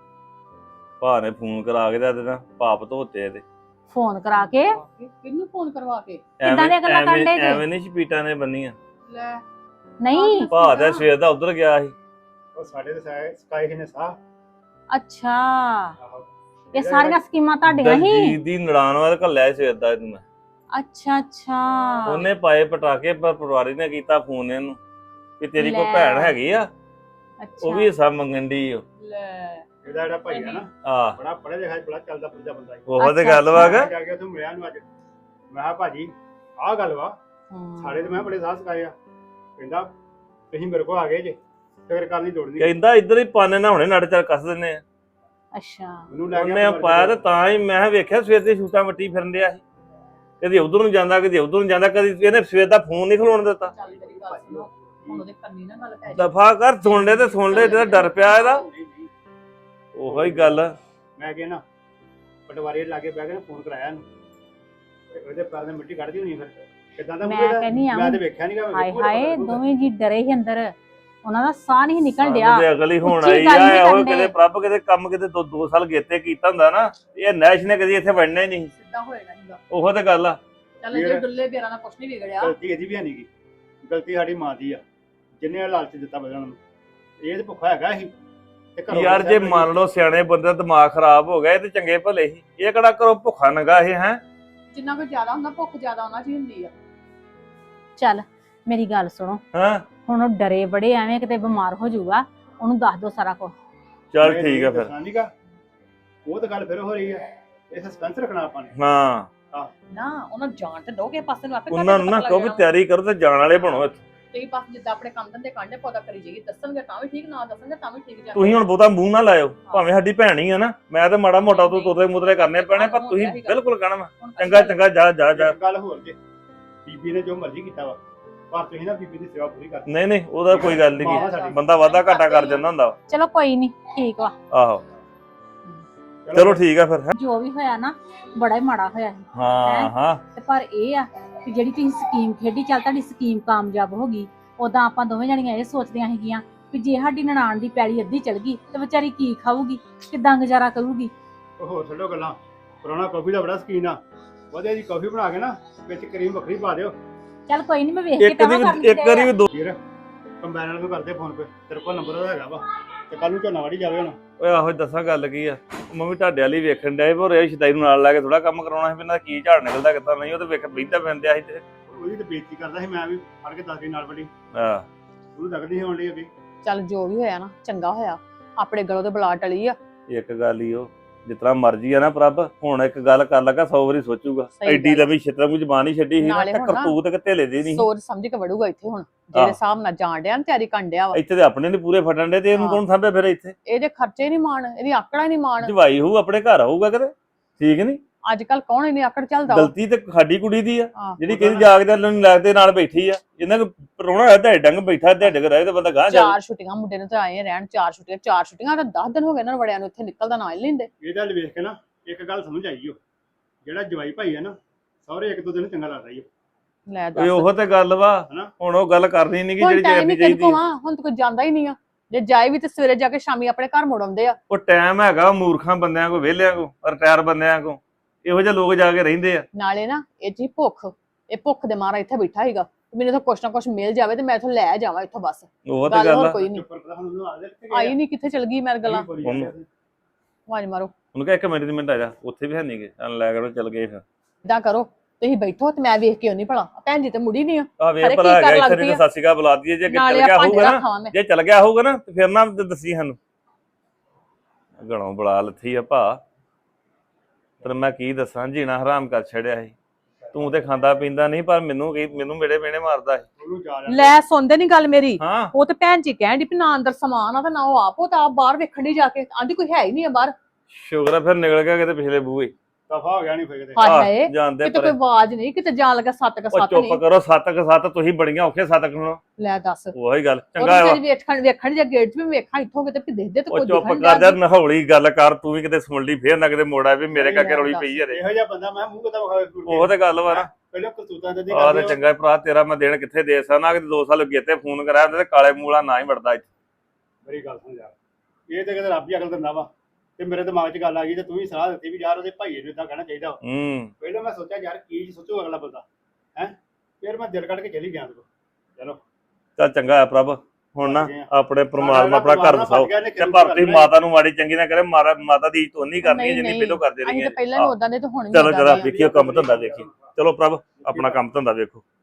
Speaker 5: ਭਾ ਨੇ ਫੋਨ ਕਰਾ ਕੇ ਦੇ ਦੇਣਾ ਪਾਪ ਧੋਤੇ ਇਹਦੇ
Speaker 4: ਫੋਨ ਕਰਾ ਕੇ
Speaker 3: ਕਿਹਨੂੰ ਫੋਨ ਕਰਵਾ ਕੇ
Speaker 4: ਕਿੱਦਾਂ ਦੀਆਂ ਗੱਲਾਂ ਕਰਨ ਡਏ ਜੀ?
Speaker 5: ਐਵੇਂ ਨਹੀਂ ਛਪੀਟਾਂ ਨੇ ਬੰਨੀਆਂ
Speaker 3: ਲੈ
Speaker 4: ਨਹੀਂ
Speaker 5: ਭਾ ਦਾ ਸਵੇਰ ਦਾ ਉਧਰ ਗਿਆ ਸੀ
Speaker 6: ਉਹ ਸਾਡੇ ਤੇ ਸਾਇ ਸਕਾਈ ਹੀ ਨੇ ਸਾਹ
Speaker 4: ਅੱਛਾ,
Speaker 6: ਆਹੋ
Speaker 4: ਇਹ ਸਾਰੀਆਂ ਸਕੀਮਾਂ ਤੁਹਾਡੀਆਂ ਹੀ।
Speaker 5: ਦਲਜੀਤ ਦੀ ਨੜਾਨ ਵਾਲ ਘੱਲਿਆ ਸਵੇਰ ਦਾ ਇਹਨੂੰ ਮੈਂ
Speaker 4: ਅੱਛਾ ਅੱਛਾ
Speaker 5: ਉਹਨੇ ਪਾਏ ਪਟਾਕੇ ਪਰ ਪਟਵਾਰੀ ਨੇ ਕੀਤਾ ਫੋਨ ਇਹਨੂੰ ਵੀ ਤੇਰੀ ਕੋਈ
Speaker 4: ਲੈ।
Speaker 5: ਭੈਣ ਹੈਗੀ ਆ, ਉਹ
Speaker 4: ਅੱਛਾ
Speaker 5: ਵੀ ਹਿੱਸਾ ਮੰਗਣ ਦੀ ਉਹ
Speaker 3: ਲੈ
Speaker 6: ਇਹਦਾ ਜਿਹੜਾ ਭਾਈ ਆ ਨਾ
Speaker 5: ਆ
Speaker 6: ਬੜਾ ਪੜ੍ਹਿਆ ਲਿਖਿਆ ਬੜਾ ਚੱਲਦਾ ਫਿਰਦਾ ਬੰਦਾ ਹੈ
Speaker 5: ਉਹ ਤੇ
Speaker 4: ਅੱਛਾ,
Speaker 5: ਗੱਲ ਵਾ ਗਾ।
Speaker 6: ਜਾ ਕੇ ਉੱਥੇ ਮਿਲਿਆ ਨੂੰ ਅੱਜ ਮੈਂ ਕਿਹਾ ਭਾਜੀ ਆਹ ਗੱਲ ਵਾ
Speaker 4: ਹਮ।
Speaker 6: ਸਾਡੇ ਤੇ ਮੈਂ ਬੜੇ ਸਾਹ ਸਕਾਏ ਆ ਕਹਿੰਦਾ ਤੁਸੀਂ ਮੇਰੇ ਕੋਲ ਆ ਗਏ ਜੇ ਫਿਕਰ ਕਰਨ ਦੀ ਲੋੜ ਨਹੀਂ
Speaker 5: ਕਹਿੰਦਾ ਇੱਧਰ ਹੀ ਪਾਣੇ ਨਾ ਹੁਣੇ ਨੜ ਚੱਲ ਕੱਸ ਦਿੰਨੇ ਆ।
Speaker 4: ਅੱਛਾ
Speaker 6: ਮੈਨੂੰ ਲੈ
Speaker 5: ਉਹਨੇ
Speaker 6: ਗਿਆ
Speaker 5: ਪਾਇਆ ਤੇ ਤਾਂ ਹੀ ਮੈਂ ਵੇਖਿਆ ਸਵੇਰ ਦੀ ਛੂਟਾਂ ਵੱਟੀ ਫਿਰਨ ਡਿਆ ਸੀ, ਕਦੀ ਉਧਰ ਨੂੰ ਜਾਂਦਾ ਕਦੀ ਉਧਰ ਨੂੰ ਜਾਂਦਾ, ਕਦੀ ਇਹਨੇ ਸਵੇਰ ਦਾ ਫੋਨ ਨਹੀਂ ਖਲੋਣ ਦਿੱਤਾ।
Speaker 3: ਚੱਲ ਮੇਰੀ ਗੱਲ ਸੁਣੋ ਹੁਣ ਉਹਦੇ ਕੰਨੀ ਨਾ ਗੱਲ ਪੈ ਜਾਏ।
Speaker 5: ਦਫਾ ਕਰ ਸੁਣ ਲੈ ਤੇ ਸੁਣ ਲੈ, ਜਿਹੜਾ ਡਰ ਪਿਆ ਇਹਦਾ ਉਹੋ ਹੀ ਗੱਲ।
Speaker 6: ਮੈਂ ਕਿਹਾ ਨਾ ਪਟਵਾਰੀ ਲਾਗੇ ਬਹਿ ਕੇ ਨਾ ਫੋਨ ਕਰਾਇਆ ਇਹਨੂੰ ਤੇ ਉਹਦੇ ਪੈਰ ਨੇ ਮਿੱਟੀ ਕੱਢਦੀ ਹੋਣੀ ਫਿਰ ਕਿਦਾਂ ਦਾ
Speaker 4: ਮੈਂ
Speaker 6: ਮੂੰਹ ਇਹਦਾ?
Speaker 4: ਕਹਿੰਦੀ ਆ
Speaker 6: ਮੈਂ ਤੇ ਵੇਖਿਆ ਨਹੀਂਗਾ
Speaker 4: ਹਾਏ ਹਾਏ ਦੋਵੇਂ ਜੀ ਡਰੇ ਸੀ ਅੰਦਰ, ਉਹਨਾਂ ਦਾ ਸਾਹ ਨਹੀਂ ਨਿਕਲ ਡਿਆ।
Speaker 5: ਉਹਦੇ ਅਗਲੀ ਹੋਣ
Speaker 4: ਉੱਚੀ
Speaker 5: ਆਈ
Speaker 4: ਗੱਲ ਨੀ
Speaker 5: ਆ ਉਹ
Speaker 4: ਕਰਦੇ।
Speaker 5: ਕਿਤੇ ਪ੍ਰਭ ਕਿਤੇ ਕੰਮ ਕਿਤੇ ਦੋ ਦੋ ਸਾਲ ਗੇਤੇ ਕੀਤਾ ਹੁੰਦਾ ਨਾ, ਇਹ ਨੈਸ਼ ਨੇ ਕਦੀ ਇੱਥੇ ਵੜਨਾ ਹੀ ਨਹੀਂ।
Speaker 3: ਸਿੱਧਾ ਹੋਏਗਾ ਹੀਗਾ।
Speaker 5: ਉਹੋ ਤੇ ਗੱਲ ਆ।
Speaker 3: ਚੱਲ ਜੇ ਡੁੱਲੇ ਬੇਰਾਂ ਨਾਲ ਕੁਛ ਨਹੀਂ ਵਿਗੜਿਆ।
Speaker 6: ਗਲਤੀ ਇਹਦੀ ਵੀ ਨਹੀਂ ਗੀ, ਗਲਤੀ ਸਾਡੀ ਮਾਂ ਦੀ ਆ ਜਿੰਨੇ ਲਾਲਚ ਦਿੱਤਾ ਬਦਲਣ ਨੂੰ। ਇਹ ਤੇ ਭੁੱਖਾ ਹੈਗਾ ਸੀ ਤੇ ਘਰੋਂ
Speaker 5: ਯਾਰ ਜੇ ਮੰਨ ਲਓ ਸਿਆਣੇ ਬੰਦੇ ਦਾ ਦਿਮਾਗ ਖਰਾਬ ਹੋ ਗਿਆ ਇਹ ਤੇ ਚੰਗੇ ਭਲੇ ਸੀ, ਇਹ ਕਿਹੜਾ ਕਰੋ ਭੁੱਖਾ ਨੰਗਾ ਇਹ ਹੈ।
Speaker 3: ਜਿੰਨਾ ਕੋਈ ਜ਼ਿਆਦਾ ਹੁੰਦਾ ਭੁੱਖ ਜ਼ਿਆਦਾ ਉਹਨਾਂ 'ਚ ਹੀ ਹੁੰਦੀ ਆ।
Speaker 4: ਚੱਲ ਮੇਰੀ ਗੱਲ ਸੁਣੋ,
Speaker 5: ਹਾਂ
Speaker 4: ਹੁਣ ਉਹ ਡਰੇ ਬੜੇ ਐਵੇਂ ਕਿਤੇ ਬਿਮਾਰ ਹੋ ਜਾਊਗਾ, ਉਹਨੂੰ ਦੱਸ ਦੋ ਸਾਰਾ ਕੁਝ।
Speaker 5: ਚੱਲ ਠੀਕ ਆ ਫਿਰ।
Speaker 6: ਨਹੀਂਗਾ ਉਹ ਤਾਂ ਗੱਲ ਫਿਰ ਹੋ ਰਹੀ ਹੈ, ਇਹ ਸਸਪੈਂਸ ਰੱਖਣਾ ਆਪਾਂ ਨੇ।
Speaker 5: ਹਾਂ
Speaker 3: ਨਾ ਉਹਨਾਂ ਨੂੰ ਜਾਣ ਤੇ ਦੋ ਕਿਸੇ ਪਾਸੇ ਨੂੰ ਆਪੇ
Speaker 5: ਉਹਨਾਂ ਨੂੰ ਨਾ ਕਹੋ ਵੀ ਤਿਆਰੀ ਕਰੋ ਤੇ ਜਾਣ ਵਾਲੇ ਬਣੋ ਇੱਥੇ।
Speaker 3: ਤੇ ਪਾਸ ਜਿੱਦਾਂ ਆਪਣੇ ਕੰਮ ਧੰਦੇ ਕਾਂਡੇ ਪੌਦਾ ਕਰੀ ਜਾਈਏ, ਦੱਸਣਗੇ ਤਾਂ ਵੀ ਠੀਕ, ਨਾ ਦੱਸਣਗੇ ਤਾਂ ਵੀ ਠੀਕ। ਜਾ
Speaker 5: ਤੁਸੀਂ ਹੁਣ ਬਹੁਤਾ ਮੂੰਹ ਨਾ ਲਾਇਓ, ਭਾਵੇਂ ਸਾਡੀ ਭੈਣ ਹੀ ਆ ਨਾ, ਮੈਂ ਤੇ ਮਾੜਾ ਮੋਟਾ ਤੋਂ ਤੋਤੇ ਮੁਦਰੇ ਕਰਨੇ ਪੈਣੇ, ਪਰ ਤੁਸੀਂ ਬਿਲਕੁਲ ਕਹਿਣਾ ਵਾ ਚੰਗਾ ਚੰਗਾ ਜਾ ਜਾ ਜਾ।
Speaker 6: ਇੱਕ ਗੱਲ ਹੋਰ ਜੇ ਬੀਬੀ ਨੇ ਜੋ ਮਰਜ਼ੀ ਕੀਤਾ ਵਾ ਪਰ ਤੁਸੀਂ ਨਾ ਬੀਬੀ ਦੀ ਸੇਵਾ ਪੂਰੀ ਕਰਨੀ।
Speaker 5: ਨਹੀਂ ਨਹੀਂ ਉਹਦਾ ਕੋਈ ਗੱਲ
Speaker 6: ਮਾਂ
Speaker 5: ਨਹੀਂ,
Speaker 6: ਸਾਡੀ।
Speaker 5: ਬੰਦਾ ਵਾਧਾ ਘਾਟਾ ਕਰ ਜਾਂਦਾ ਹੁੰਦਾ ਵਾ।
Speaker 4: ਚਲੋ ਕੋਈ ਨਹੀਂ, ਠੀਕ ਵਾ।
Speaker 5: ਆਹੋ ਚਲੋ ਠੀਕ ਆ ਫਿਰ।
Speaker 4: ਜੋ ਵੀ ਹੋਇਆ ਨਾ ਬੜਾ ਹੀ ਮਾੜਾ ਹੋਇਆ ਸੀ,
Speaker 5: ਹਾਂ ਹਾਂ
Speaker 4: ਤੇ ਪਰ ਇਹ ਆ ਕਿ ਜਿਹੜੀ ਤੁਸੀਂ ਸਕੀਮ ਖੇਡੀ, ਚੱਲ ਤੁਹਾਡੀ ਸਕੀਮ ਕਾਮਯਾਬ ਹੋ ਗਈ। ਉਦਾਂ ਆਪਾਂ ਦੋਵੇਂ ਜਣੀਆਂ ਇਹ ਸੋਚਦੀਆਂ ਸੀਗੀਆਂ ਵੀ ਜੇ ਸਾਡੀ ਨਨਾਣ ਦੀ ਪੈਲੀ ਅੱਧੀ ਚਲ ਗਈ ਤੇ ਵਿਚਾਰੀ ਕੀ ਖਾਊਗੀ, ਕਿੱਦਾਂ ਗੁਜ਼ਾਰਾ ਕਰੂਗੀ।
Speaker 6: ਉਹ ਹੋਰ ਛੱਡੋ ਗੱਲਾਂ, ਪੁਰਾਣਾ ਕਾਫੀ ਦਾ ਬੜਾ ਸਕੀਨ ਆ, ਵਧੀਆ ਜੀ ਕਾਫੀ ਬਣਾ ਕੇ ਨਾ ਵਿੱਚ ਕਰੀਮ ਵੱਖਰੀ ਪਾ ਦਿਓ।
Speaker 4: ਚੱਲ ਕੋਈ ਨਹੀਂ, ਮੈਂ ਵੇਖ ਕੇ
Speaker 5: ਇੱਕ
Speaker 4: ਤਾਂ
Speaker 5: ਦੀ
Speaker 4: ਕਰ
Speaker 5: ਵੀ ਇੱਕ ਵਾਰੀ ਵੀ ਦੋ।
Speaker 6: ਵੀਰ ਕੰਬਾਈਨਰ ਨੂੰ ਕਰਦੇ ਫੋਨ ਪੇ, ਤੇਰੇ ਕੋਲ ਨੰਬਰ ਉਹਦਾ ਹੈਗਾ ਵਾ ਤੇ ਕੱਲ ਨੂੰ ਝੋਨਾ ਵਾੜੀ ਜਾਵੇ ਹੁਣ।
Speaker 5: ਓਏ ਆਹੋ ਦੱਸਾਂ ਗੱਲ ਕੀ ਆ, ਮੰਮੀ ਤੁਹਾਡੇ ਵਾਲੀ ਵੇਖਣ ਡਿਆ ਪਰ ਇਹ ਸ਼ਦਾਈ ਨੂੰ ਨਾਲ ਲੈ ਕੇ ਥੋੜਾ ਕੰਮ ਕਰਾਉਣਾ ਸੀ ਵੀ ਇਹਨਾਂ ਦਾ ਕੀ ਝਾੜ ਨਿਕਲਦਾ ਕਿੱਦਾਂ ਨਹੀਂ, ਉਹ ਤੇ ਵੇਖ ਬੈਠਾ ਫਿਰਦਿਆ ਸੀ ਤੇ
Speaker 6: ਉਹਦੀ ਤੇ ਬੇਇੱਜ਼ਤੀ ਕਰਦਾ ਸੀ, ਮੈਂ ਵੀ ਫੜ ਕੇ ਦੱਸ ਦੀ ਨਾਲ ਵੱਡੀ
Speaker 5: ਹਾਂ
Speaker 6: ਉਹਨੂੰ ਲੱਗਦੀ ਸੀ ਹੋਣ ਲਈ ਅੱਗੇ।
Speaker 3: ਚੱਲ ਜੋ ਵੀ ਹੋਇਆ ਨਾ ਚੰਗਾ ਹੋਇਆ, ਆਪਣੇ ਗਲੋਂ ਤੇ ਬਲਾ ਟਲੀ ਆ।
Speaker 5: ਇੱਕ ਗੱਲ ਹੀ ਉਹ ਜਿਸ ਤਰ੍ਹਾਂ ਮਰਜ਼ੀ ਆ ਨਾ ਪ੍ਰਭ, ਹੁਣ ਇੱਕ ਗੱਲ ਕਰ ਲੱਗਾ ਸੌ ਵਾਰੀ ਸੋਚੂਗਾ।
Speaker 3: ਸਹੀ
Speaker 5: ਐਡੀ
Speaker 3: ਗੱਲ ਆ।
Speaker 5: ਲੰਮੀ ਛਿੱਤਰ ਨੂੰ ਜ਼ਬਾਨ ਹੀ ਛੱਡੀ ਸੀ ਨਾ,
Speaker 3: ਨਾਲੇ
Speaker 5: ਤੇ
Speaker 3: ਹੁਣ ਨਾ
Speaker 5: ਕਰਤੂਤ ਕਿਤੇ ਲੇ ਦੀ ਨਹੀਂ।
Speaker 3: ਸੋਚ ਸਮਝ ਕੇ ਵੜੂਗਾ ਇੱਥੇ ਹੁਣ, ਜਿਹੜੇ
Speaker 5: ਆਹ।
Speaker 3: ਹਿਸਾਬ ਨਾਲ ਜਾਣ ਡਿਆ ਨਾ ਤਿਆਰੀ ਕਰਨ ਡਿਆ ਵਾ।
Speaker 5: ਇੱਥੇ ਤੇ ਆਪਣੇ ਨੇ ਪੂਰੇ ਫਟਣ ਦੇ, ਤੇ ਇਹਨੂੰ
Speaker 3: ਹਾਂ।
Speaker 5: ਕੌਣ ਸਾਂਭੇ ਫਿਰ ਇੱਥੇ?
Speaker 3: ਇਹਦੇ ਖਰਚੇ ਨਹੀਂ ਮਾਣ, ਇਹਦੀ ਆਕੜਾ ਨਹੀਂ ਮਾਣ।
Speaker 5: ਜਵਾਈ ਹੋਊ ਆਪਣੇ ਘਰ ਆਊਗਾ ਕਿਤੇ, ਠੀਕ ਨਹੀਂ?
Speaker 3: ਅੱਜ ਕੱਲ ਕੌਣ ਇਹਨੀ ਆਕੜ ਚੱਲਦਾ ਵਾ?
Speaker 5: ਗਲਤੀ ਤੇ ਸਾਡੀ ਕੁੜੀ ਦੀ ਆ,
Speaker 3: ਆਹ,
Speaker 5: ਜਿਹੜੀ ਕਿਹਦੀ ਜਾਗਦੇ ਨੂੰ ਲੱਗਦੇ ਨਾਲ ਬੈਠੀ ਆ। ਇਹਨਾਂ ਕੋ ਪਰੋਣਾ ਹੈ ਤੇ ਡੰਗ ਬੈਠਾ ਤੇ ਡਗ ਰਹੇ ਤੇ ਬੰਦਾ ਗਾਂ ਜਾ।
Speaker 3: ਚਾਰ ਛੁੱਟੀਆਂ ਮੁੰਡੇ ਨੂੰ ਤੇ ਆਏ ਆ ਰਹਿਣ, ਚਾਰ ਛੁੱਟੀਆਂ ਚਾਰ ਛੁੱਟੀਆਂ ਤਾਂ ਦਸ ਦਿਨ ਹੋ ਗਏ ਇਹਨਾਂ ਨੂੰ ਵੜਿਆਂ ਨੂੰ, ਇੱਥੇ ਨਿਕਲਦਾ ਨਾ ਹੀ ਲੈਂਦੇ।
Speaker 6: ਇਹਦਾ ਵੱਲ ਵੇਖ ਕੇ ਨਾ ਇੱਕ ਗੱਲ ਸਮਝ ਆਈ ਓ, ਜਿਹੜਾ ਜਵਾਈ ਭਾਈ ਹੈ ਨਾ ਸਹੁਰੇ ਇੱਕ ਦੋ ਦਿਨ ਚੰਗਾ ਲੱਗਦਾ ਈ ਓ।
Speaker 3: ਲੈ
Speaker 5: ਓਏ
Speaker 3: ਦੱਸ,
Speaker 5: ਉਹੋ ਤੇ ਗੱਲ ਵਾ,
Speaker 6: ਹਨਾ?
Speaker 5: ਹੁਣ ਉਹ ਗੱਲ ਕਰਨੀ ਨਹੀਂ ਕਿ
Speaker 3: ਹੁਣ
Speaker 5: ਜਿਹੜੀ
Speaker 3: ਟਾਈਮ
Speaker 5: ਕਰਨੀ
Speaker 3: ਹੀ ਕਿਹਦੇ
Speaker 5: ਚਾਹੀਦੀ।
Speaker 3: ਕੋਲ ਆ, ਹੁਣ ਤਾਂ ਕੋਈ ਜਾਂਦਾ ਹੀ ਨਹੀਂ ਆ। ਜੇ ਜਾਏ ਵੀ ਤੇ ਸਵੇਰੇ ਜਾ ਕੇ ਸ਼ਾਮੀ ਆਪਣੇ ਘਰ ਮੁੜ ਆਉਂਦੇ ਆ।
Speaker 5: ਉਹ ਟਾਈਮ ਹੈਗਾ ਮੂਰਖਾਂ ਬੰਦਿਆਂ ਕੋ, ਵਿਹਲਿਆਂ ਕੋ, ਰਿਟਾਇਰ ਬੰਦਿਆਂ ਕੋ, ਇਹੋ ਜਿਹੇ ਲੋਕ ਜਾ ਕੇ ਰਹਿੰਦੇ ਆ।
Speaker 3: ਨਾਲੇ ਨਾ ਇਹ ਜੀ ਭੁੱਖ, ਇਹ ਭੁੱਖ ਦੇ ਮਾਰਾ ਇੱਥੇ ਬੈਠਾ ਹੀਗਾ, ਮੈਨੂੰ ਤਾਂ ਕੁਛ ਨਾ ਕੁਛ ਮਿਲ ਜਾਵੇ ਤੇ ਮੈਂ ਇੱਥੋਂ ਲੈ ਜਾਵਾਂ ਇੱਥੋਂ ਬਸ।
Speaker 5: ਉਹ ਤੇ
Speaker 3: ਗੱਲ
Speaker 5: ਗੱਲ
Speaker 3: ਹੋਰ
Speaker 5: ਆ।
Speaker 3: ਕੋਈ ਨਹੀਂ।
Speaker 6: ਚੁੱਪ ਕਰ ਹੁਣ ਉਹਨੂੰ ਆ ਦੇ ਕਿੱਥੇ
Speaker 3: ਆਈ ਨਹੀਂ, ਕਿੱਥੇ ਚਲ ਗਈ ਮੈਂ ਗੱਲਾਂ।
Speaker 5: ਉਹਨੂੰ-
Speaker 3: ਆਵਾਜ਼ ਮਾਰੋ।
Speaker 5: ਉਹਨੂੰ ਕਿਹਾ ਇੱਕ ਮਿੰਟ ਦੀ ਮਿੰਟ ਆ ਜਾ, ਉੱਥੇ ਵੀ ਹੈ ਨਹੀਂਗੇ, ਚੱਲ ਲੈ ਕੇ ਚੱਲ ਗਏ ਫਿਰ।
Speaker 3: ਇਦਾਂ ਕਰੋ, ਤੁਸੀਂ ਬੈਠੋ ਤੇ ਮੈਂ ਵੇਖ ਕੇ ਆਉਣੀ ਭਲਾ, ਭੈਣ ਜੀ ਤੇ ਮੁੜੀ ਨਹੀਂ ਆ।
Speaker 5: ਆ ਵੇਖ
Speaker 3: ਅਰੇ
Speaker 5: ਭਲਾ
Speaker 3: ਕੀ ਕਰ
Speaker 5: ਹੈਗਾ ਇੱਥੇ,
Speaker 3: ਲੱਗਦੀ
Speaker 5: ਨਹੀਂ
Speaker 3: ਆ?
Speaker 5: ਤਾਂ ਸਤਿ ਸ਼੍ਰੀ ਅਕਾਲ ਬੁਲਾ ਦਈਏ। ਜੇ ਅੱਗੇ ਚੱਲ
Speaker 3: ਨਾਲੇ
Speaker 5: ਗਿਆ
Speaker 3: ਆ ਭਾਂਡੇ
Speaker 5: ਹੋਊਗਾ ਨਾ,
Speaker 3: ਰੱਖਾਂ ਮੈਂ।
Speaker 5: ਜੇ ਚੱਲ ਗਿਆ ਹੋਊਗਾ ਨਾ ਤੇ ਫਿਰ ਨਾ ਦੱਸੀ ਸਾਨੂੰ। ਗਣੋਂ ਬੁਲਾ ਲੱਥੀ ਆ ਭਾ, ਪਰ ਮੈਂ ਕੀ ਦੱਸਾਂ, ਜੀਣਾ ਹਰਾਮ ਕਰ ਛੜਿਆ ਸੀ। ਤੂੰ ਤੇ ਖਾਂਦਾ ਪੀਂਦਾ ਨਹੀਂ, ਪਰ ਮੈਨੂੰ ਕੀ ਮੈਨੂੰ ਮੇਰੇ ਮੇਣੇ ਮਾਰਦਾ ਸੀ।
Speaker 6: ਉਹਨੂੰ ਜਾ ਰਿਹਾ
Speaker 3: ਲੈ ਸੁਣਦੇ ਨਹੀਂ ਗੱਲ ਮੇਰੀ।
Speaker 5: ਹਾਂ
Speaker 3: ਉਹ ਤੇ ਭੈਣ ਜੀ ਕਹਿਣ ਦੀ ਵੀ ਨਾ ਅੰਦਰ ਸਮਾਨ ਆ ਤੇ ਨਾ ਉਹ ਆਪ, ਉਹ ਤਾਂ ਆਪ ਬਾਹਰ ਵੇਖਣ ਦੀ ਜਾ ਕੇ ਆਂਦੀ ਕੋਈ ਹੈ ਹੀ ਨਹੀਂ ਆ ਬਾਹਰ।
Speaker 5: ਸ਼ੁਕਰ ਆ ਫਿਰ ਨਿਕਲ ਗਿਆ ਕਿਤੇ ਪਿਛਲੇ ਬੂਹੇ।
Speaker 6: ਦਫਾ ਹੋ ਗਿਆ ਨਹੀਂ ਫੇਰ ਕਿਤੇ।
Speaker 3: ਹਾਏ
Speaker 5: ਆਹ,
Speaker 3: ਹਾਏ,
Speaker 5: ਜਾਂਦੇ
Speaker 3: ਕਿਤੇ
Speaker 5: ਪਰ
Speaker 3: ਕੋਈ ਆਵਾਜ਼ ਨਹੀਂ, ਕਿਤੇ ਜਾਣ ਲੱਗਾ ਸੱਤ ਕ
Speaker 5: ਉਹ
Speaker 3: ਸੱਤ
Speaker 5: ਚੁੱਪ
Speaker 3: ਨਹੀਂ।
Speaker 5: ਕਰੋ, ਸੱਤ ਕ ਸੱਤ ਤੁਸੀਂ ਬੜੀਆਂ ਔਖੇ ਸੱਤ ਸੁਣੋ।
Speaker 3: ਲੈ ਦੱਸ,
Speaker 5: ਉਹੀ ਗੱਲ
Speaker 3: ਉਹ
Speaker 5: ਚੰਗਾ ਵਾ।
Speaker 3: ਤੇ ਵੇਖਣ ਵੇਖਣ ਜੇ ਗੇਟ 'ਚ ਵੀ ਵੇਖਾਂ ਇੱਥੋਂ ਕਿਤੇ ਵੀ ਦੇਖਦੇ ਤੇ
Speaker 5: ਉਹ
Speaker 3: ਕੋਈ
Speaker 5: ਚੁੱਪ
Speaker 3: ਦਿਖਣ
Speaker 5: ਕਰ ਜਾ, ਨਹੌਲੀ ਗੱਲ ਕਰ, ਤੂੰ ਵੀ ਕਿਤੇ ਸੁਣ ਲਈ ਫੇਰ ਨਾ ਕਿਤੇ ਮੋੜਾ ਵੀ ਮੇਰੇ ਕਰਕੇ ਰੌਲੀ ਪਈ ਯਾਰੇ।
Speaker 6: ਇਹੋ ਜਿਹਾ ਬੰਦਾ ਮੈਂ ਮੂੰਹ ਕਿਤਾ ਵਿਖਾਵੇ।
Speaker 5: ਉਹ ਤੇ ਗੱਲ ਵਾ ਨਾ।
Speaker 6: ਪਹਿਲਾਂ ਕਰਤੂਤਾਂ ਦੇ
Speaker 5: ਆਹ ਤੇ ਚੰਗਾ ਭਰਾ ਤੇਰਾ, ਮੈਂ ਦੇਣ ਕਿੱਥੇ ਦੇ ਸਕਦਾ ਕਿ ਦੋ ਸਾਲ ਅੱਗੇ ਤੇ ਫੋਨ ਕਰਾਇਆ ਤੇ ਕਾਲੇ ਮੂਲਾ ਨਾ ਹੀ ਵੜਦਾ ਇੱਥੇ।
Speaker 6: ਮੇਰੀ ਗੱਲ ਸੁਣ ਯਾਰ, ਇਹ ਤੇ ਕਿਤੇ ਰੱਬ ਹੀ ਅਕਲ ਦਿੰਦਾ ਵਾ। ਤੇ ਮੇਰੇ ਦਿਮਾਗ 'ਚ ਗੱਲ ਆ ਗਈ ਤੇ ਤੂੰ ਵੀ ਸਲਾਹ ਦਿੱਤੀ ਵੀ ਯਾਰ ਉਹਦੇ ਭਾਈਏ ਨੂੰ ਇਦਾਂ ਕਹਿਣਾ ਚਾਹੀਦਾ ਵਾ।
Speaker 5: ਹੂੰ
Speaker 6: ਪਹਿਲਾਂ ਮੈਂ ਸੋਚਿਆ ਯਾਰ ਕੀ ਸੋਚੂ ਅਗਲਾ ਬੰਦਾ ਹੈ, ਫਿਰ ਮੈਂ ਦਿਲ ਕੱਢ ਕੇ ਚਲੀ ਗਿਆ ਤੂੰ। ਚਲੋ
Speaker 5: ਚੱਲ ਚੰਗਾ ਆ ਪ੍ਰਭ, ਹੁਣ ਨਾ ਆਪਣੇ ਪਰਮਾਤਮਾ ਆਪਣਾ ਘਰ ਵਸਾਓ। ਤੇ
Speaker 6: ਤੇ
Speaker 5: ਪਰ ਤੁਸੀਂ ਮਾਤਾ ਨੂੰ ਮਾੜੀ ਚੰਗੀ ਨਾ ਕਰੇ, ਮਾਰਾ ਮਾਤਾ ਦੀ ਇੱਜ਼ਤ ਨਹੀਂ ਕਰਨੀ
Speaker 3: ਨਹੀਂ,
Speaker 5: ਜਿੰਨੀ
Speaker 3: ਨਹੀਂ।
Speaker 5: ਪਹਿਲਾਂ ਕਰਦੇ
Speaker 3: ਅਸੀਂ
Speaker 5: ਰਹੀਏ।
Speaker 3: ਤਾਂ ਪਹਿਲਾਂ ਵੀ ਉਦਾਂ ਦੇ ਤੇ ਹੁਣ ਵੀ
Speaker 5: ਚਲੋ
Speaker 3: ਏਦਾਂ
Speaker 5: ਜਰਾ
Speaker 3: ਦੇ ਆ।
Speaker 5: ਦੇਖੀਓ ਕੰਮ ਧੰਦਾ ਦੇਖੀ। ਚਲੋ ਪ੍ਰਭ ਆਪਣਾ ਕੰਮ ਧੰਦਾ ਵੇਖੋ।